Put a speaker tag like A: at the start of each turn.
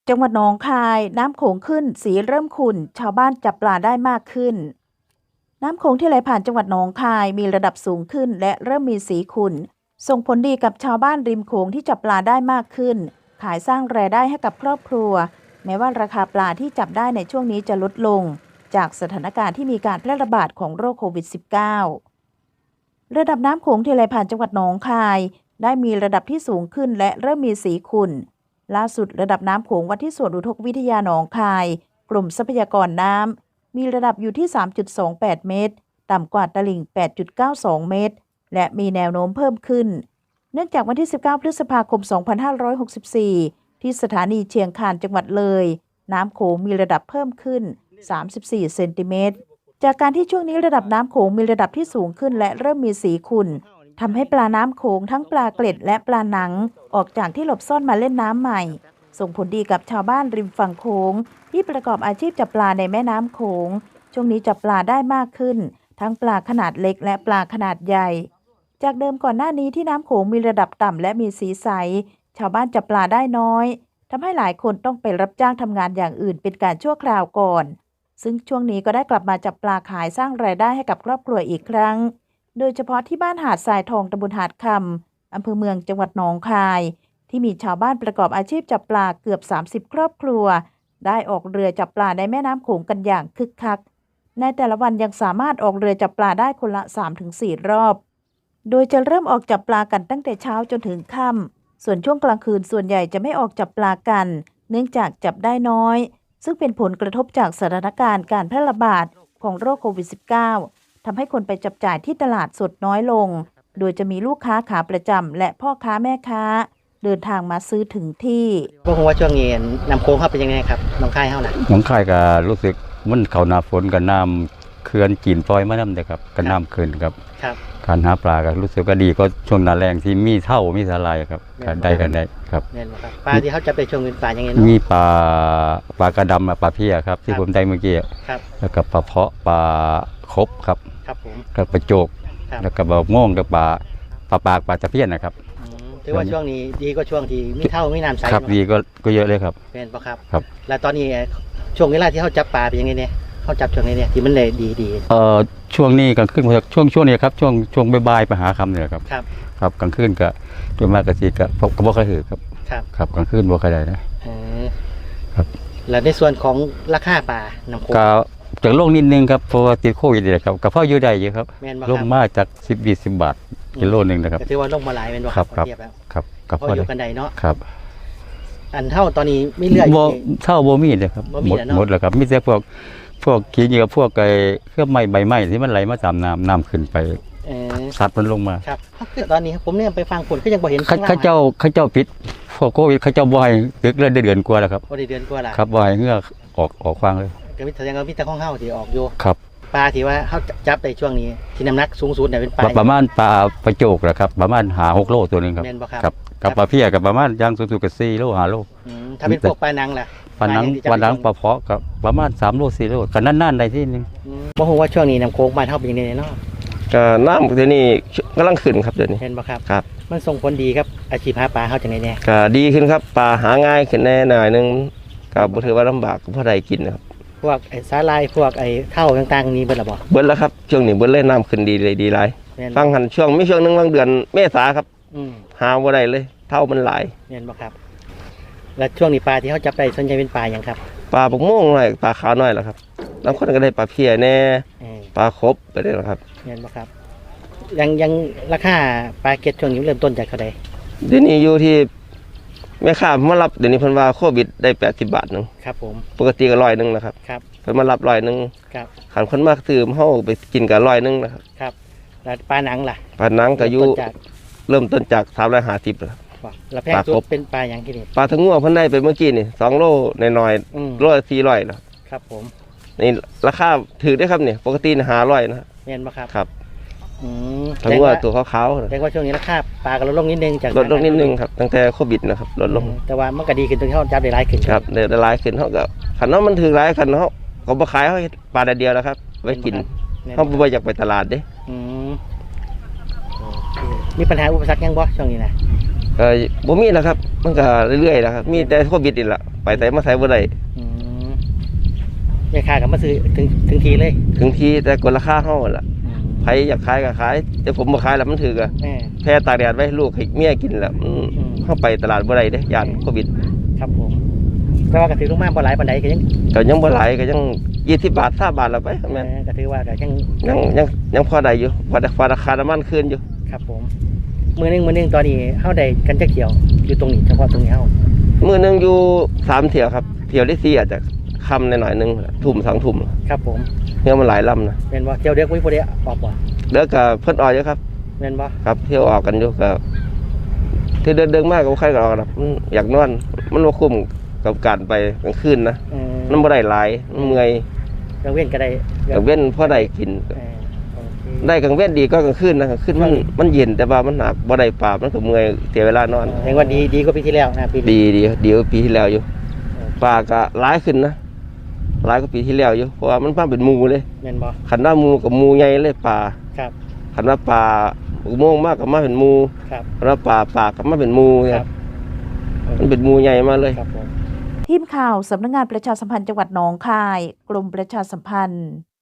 A: จังหวัดหนองคายน้ำโขงขึ้นสีเริ่มขุ่นชาวบ้านจับปลาได้มากขึ้นน้ำโขงที่ไหลผ่านจังหวัดหนองคายมีระดับสูงขึ้นและเริ่มมีสีขุ่นส่งผลดีกับชาวบ้านริมโขงที่จับปลาได้มากขึ้นขายสร้างรายได้ให้กับครอบครัวแม้ว่าราคาปลาที่จับได้ในช่วงนี้จะลดลงจากสถานการณ์ที่มีการแพร่ระบาดของโรคโควิด -19 ระดับน้ำโขงที่ไหลผ่านจังหวัดหนองคายได้มีระดับที่สูงขึ้นและเริ่มมีสีขุ่นล่าสุดระดับน้ำโขงวัดที่สวนอุทกวิทยาหนองคายกรมทรัพยากรน้ำมีระดับอยู่ที่ 3.28 เมตรต่ำกว่าตลิ่ง 8.92 เมตรและมีแนวโน้มเพิ่มขึ้นเนื่องจากวันที่ 19 พฤษภาคม 2564 ที่สถานีเชียงคานจังหวัดเลยน้ำโขงมีระดับเพิ่มขึ้น 34 เซนติเมตรจากการที่ช่วงนี้ระดับน้ำโขงมีระดับที่สูงขึ้นและเริ่มมีสีขุ่นทำให้ปลาน้ำโขงทั้งปลาเกล็ดและปลาหนังออกจากที่หลบซ่อนมาเล่นน้ำใหม่ส่งผลดีกับชาวบ้านริมฝั่งโขงที่ประกอบอาชีพจับปลาในแม่น้ำโขงช่วงนี้จับปลาได้มากขึ้นทั้งปลาขนาดเล็กและปลาขนาดใหญ่จากเดิมก่อนหน้านี้ที่น้ำโขงมีระดับต่ำและมีสีใสชาวบ้านจับปลาได้น้อยทำให้หลายคนต้องไปรับจ้างทำงานอย่างอื่นเป็นการชั่วคราวก่อนซึ่งช่วงนี้ก็ได้กลับมาจับปลาขายสร้างรายได้ให้กับครอบครัวอีกครั้งโดยเฉพาะที่บ้านหาดทรายทองตำบลหาดคำอำเภอเมืองจังหวัดหนองคายที่มีชาวบ้านประกอบอาชีพจับปลาเกือบ30ครอบครัวได้ออกเรือจับปลาในแม่น้ำโขงกันอย่างคึกคักในแต่ละวันยังสามารถออกเรือจับปลาได้คนละ 3-4 รอบโดยจะเริ่มออกจับปลากันตั้งแต่เช้าจนถึงค่ำส่วนช่วงกลางคืนส่วนใหญ่จะไม่ออกจับปลากันเนื่องจากจับได้น้อยซึ่งเป็นผลกระทบจากสถานการณ์การแพร่ระบาดของโรคโควิด -19 ทำให้คนไปจับจ่ายที่ตลาดสดน้อยลงโดยจะมีลูกค้าขาประจำและพ่อค้าแม่ค้าเดินทางมาซื้อถึงที่
B: พวกว่าช่วงนี้น้ำโขงเข้าเป็นยังไงครับน้องคายเฮาน่ะ
C: น้องคายก็รู้สึกมันเข้าหน้าฝนกับน้ำเขื่อนจีนปล่อยมานำเด้อครับก็น้ำขึ้นครับการหาปลาก็รู้สึกก็ดีก็ช่วงหน้าแล้งที่มีเท่ามีสาหร่ายครับก็ได้กันได้ครับ
B: แม่นบ่ครับปลาที่เขาจะไปช่วงเป็นปลายังไงเนาะ
C: มีปลากระดำปลาเพี้ยครับที่ผมได้เมื่อกี้
B: ครับ
C: แล้วก็ปลาเพาะปลาคบครับ
B: ครับผม
C: กับปลาโจกแล้วก็ปลาโม่งกับปลาปากปลาตะเพียนนะครับ
B: ถือว่าช่วงนี้ดีกว่าช่วงที่มีเท่ามีน้ำใส
C: ครับดีก็เยอะเลยครับ
B: เป็นปะ
C: ครับ
B: แล้วตอนนี้ช่วงเวลาที่เขาจับปลาเป็นยังไงเนี่ยเขาจับช่วงนี้เนี่ยที่มันเลยดี
C: ช่วงนี้กลางคืนช่วงนี้ครับช่วงบ่ายๆไปหาคำเนี่ยครับครับกลางคืนก็โดยมากก็สิก็บ่ค่อยถือครับครับกลางคืนบ่ค่อยได้นะครับ
B: แล้วในส่วนของราคาปลาน้ำโขง
C: ก็จากโลกนิดนึงครับเพราะว่าติดโควิดนี่ครับก็พออยู่ได้อยู่ครับลงมาจาก10-20 บาทกิโลนึงนะครับ
B: ถือว่าลงมาหลายเป็นบ่
C: ครับครับ
B: ก็พออยู่กันได้เนาะ
C: ครับ
B: อันเท่าตอนนี้ไม่เลื่อย
C: เท่าบ่มีเลยครับหมดแล้วครับมีแต่พวกขี้เหงื่อพวกไอ้เครื่องใบไม้ที่มันไหลมาตามน้ำขึ้นไปสัตว์มันลงมา
B: ครับตอนนี้ผมเนี่ยไปฟังผลก็ยังบ่เห็น
C: ข้าเจ้าปิดพวกโควิดข้าเจ้าบ่ให้ตึกเดือนกว่าแล้วครับ
B: บ่ได้เดือนกว่าล่ะ
C: ครับบ่ให้เหงื่อออกฟังเลย
B: ก็มีแสดงว่ามีแต่ของเฮาที่ออกอยู่
C: ครับ
B: ปลาที่ว่าเฮาจับในช่วงนี้ที่น้ำหนักสูงสุดเนี่ยเป็นปลา
C: ประมาณปลาโจกแหละครับประมาณ5-6 โลตัวนึงครับครับกับปลาเพี้ยกับประมาณย่างสูงๆก็4 โล 5 โล
B: ถ้าเป็นพวกปลานังล่ะ
C: ปลานังปลาเพาะกับประมาณ3 โล 4 โลก็นั่นๆได้ที่นึง
B: บ่ฮู้ว่าช่วงนี้น้ำโขงบ้านเฮาเป็นยังไงเนาะ
D: ก็น้ำเดี๋ยวนี้กำลังขึ้นครับเดี๋ยวนี้
B: เห็นบ่ครับ
D: ครับ
B: มันส่งผลดีครับอาชีพหาปลาเฮาจังได๋แน่
D: ก็ดีขึ้นครับปลาหาง่ายขึ้นแน่หน่อยนึงก็บ่ถือว่าลำบากเพราะได้กินนะครับ
B: พวกไอ้สาลายพวกไอ้เท่าต่างๆนี้เบิดแล้วบ่
D: เบิดแล้วครับช่วงนี้เบิดเลยน้ำขึ้นดีเลยดีหลายฟังหันช่วงมีช่วงนึงบางเดือนเมษาครับหาบ่ได้เลยเท่ามันหลาย
B: เห็นบ่ครับแล้วช่วงนี้ปลาที่เฮาจับได้ส่วนใหญ่เป็นปลาหยังครับ
D: ปลาปกม่วงหน่อยปลาขาวหน่อยล่ะครับบางคนก็ได้ปลาเพี้ยแน่ปลาคบไปได้ล่ะครับ
B: เห็นบ่ครับยังราคาปลาเก็ดช่วงนี้เริ่มต้นจากเท่าใด
D: เดี๋ยวนี้อยู่ที่แม่ค้ามารับเดี๋ยวนี้เพิ่นว่าโควิดได้80 บาทนึง
B: ครับผม
D: ปกติก็100นึงนะครับ
B: ครับ
D: เพิ่นมารับ100นึง
B: ครับ
D: คันคนมาซื้อเฮาไปกินก็100นึงนะครับ
B: ครับแล้วปลาหนังล่ะ
D: ปลาหนังก็อยู่เริ่มต้นจาก350ครับ
B: แล้วแพงสุดเป็นปลาหยังที่นี่
D: ปลาทั้งงัวเพิ่นได้ไปเมื่อกี้นี่2 โลน้อยๆโลละ400
B: นะครับผม
D: นี่ราคาถูกได้ครับเนี่ยปกติ500นะ
B: แม่นบ่ครับ
D: ครับทั้งงัวตัวขาวๆ
B: แต่ว่าช่วงนี้ราคาปลาก็ลดลงนิดนึงจาก
D: ลดลงนิดนึงครับตั้งแต่โควิดนะครับลดลง
B: แต่ว่ามันก็ดีขึ้นตรงที่เฮาจับได้หลายขึ้น
D: ครับได้หลายขึ้นเฮาก็คันเนาะมันถูกหลายคันเฮาก็บ่ขายเฮาปลาเดียวแล้วครับไว้กินเฮาบ่อยากไปตลาดเด้
B: มีปัญหาอุปสรรคยังบ่ช่วงนี้นะ
D: บ่มีแล้วครับมันก็เรื่อยๆแล้วครับมีแต่โควิดนี่แหละปไปไสมาไสบ่ได้
B: อืมแม่ค้าก็มาซื้อถึงทีเลย
D: ถึงที่แต่กดราคาเฮาล่ะ
B: อืม
D: ใครอยากขายก็ขายแต่ผมบ่ขายแล้วมันถือก็
B: แม่
D: แพ้ตากแดดไว้ให้ลูกให้เมียกินแล้วเฮาไปตลาดบ่ได้เด้ย่านโควิด
B: ครับผมแต่ว่าก็ถือลงมาบ่หลายปานใดก็ยัง
D: ก็ยังบ่หลายก็ยัง20 บาท30 บาทแล้วไปแม่น
B: ก็ถือว่าก็ยัง
D: ยังพอได้อยู่พอราคาน้ำมันขึ้นอยู่
B: ครับผมมื้อหนึงตอนนี้เฮาได้กันจักเที่ยวอยู่ตรงนี้เฉพาะตรงนี้เฮา
D: มื้อหนึงอยู่3เที่ยวครับเที่ยวที่4อาจจะค่ำหน่อยๆนึงทุ่ม2ทุ่ม
B: ครับผม
D: เที่ยวมันหลายลำนะ
B: แม่นบ่เที่ยวเด็กบ่มีผู้ใดออกบ่
D: แล้วก็เพิ่นออกอยู่ครับ
B: แม่นบ่
D: ครับเที่ยวออกกันอยู่ก็ที่เดินมากก็บ่ใครก็ออกนะอยากนอนมันบ่คุ้มกับการไปกลางคืนนะมันบ่ได้หลายมันเมื่อย
B: กลางเว้นก็ได้
D: กลางเว้นพอได้กิน
B: โอเค
D: ได้กลางเว้นดีก็กลางคืนนะกลางคืนมันเย็นแต่ว่ามันหนักบ่ได้ปราบมันก็เมื่อยเสียเวลานอน
B: แห่งว่าดีกว่าปีที่แล้วนะปีนี้
D: ดีกว่าปีที่แล้วอยู่ปลาก็หลายขึ้นนะหลายกว่าปีที่แล้วอยู่เพราะว่ามันมาเป็นหมู่เลย
B: แม่นบ่
D: คันว่าหมู่กับหมู่ใหญ่เลยปลา
B: ครับ
D: คันว่าปลาอุโมงค์มากกับมาเป็นหมู่
B: ครับ
D: คันว่าปลากับมาเป็นหมู่เนี่ย
B: ครับ
D: มันเป็นหมู่ใหญ่มาเลย
B: ครับผม
A: ทีมข่าวสำนักงานประชาสัมพันธ์จังหวัดหนองคาย กรมประชาสัมพันธ์